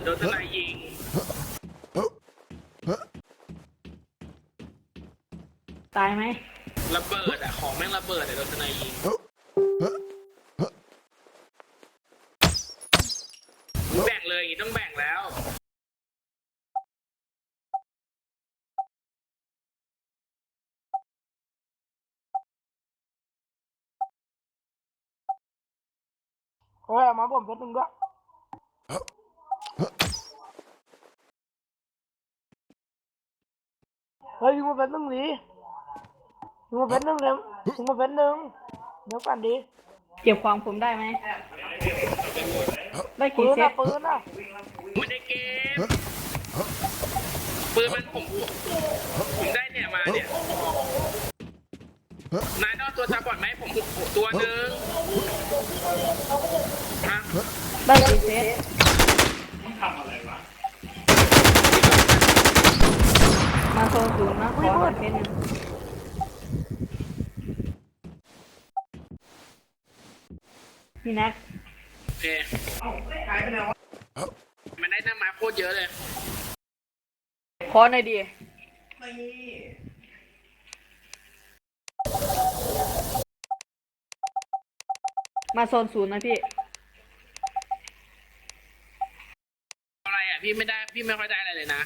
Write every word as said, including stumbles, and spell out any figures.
โดนทนายยิงตายไหมระเบิดอะของแม่งระเบิดอะโดนทนายยิงแบ่งเลยอย่างนี้ต้องแบ่งแล้วเฮ้ยมาผมเพชรหนึ่งด้วยเฮ้ยยิงมาเพชรหนึ่งดิยิงมาเพชรหนึ่งเลยยิงมาเพชรหนึ่งเดี๋ยวกันดิเก็บของผมได้ไหมได้ปืกี่นเซนะตปืนนะไม่ได้เกมปืนมันผมผมได้เนี่ยมาเนี่ยนายต้องตัวจับก่อนไหมผมตัวหนึ่งฮะได้กี่เซตมาโซนศูนย์นะขอหนึ่งเซตหนึ่งพี่นัทโอเคมันได้หน้าไม้โคตรเยอะเลยขอหน่อยดิมาโซนศูนย์นะพี่อะไรอ่ะพี่ไม่ได้พี่ไม่ค่อยได้อะไรเลยนะ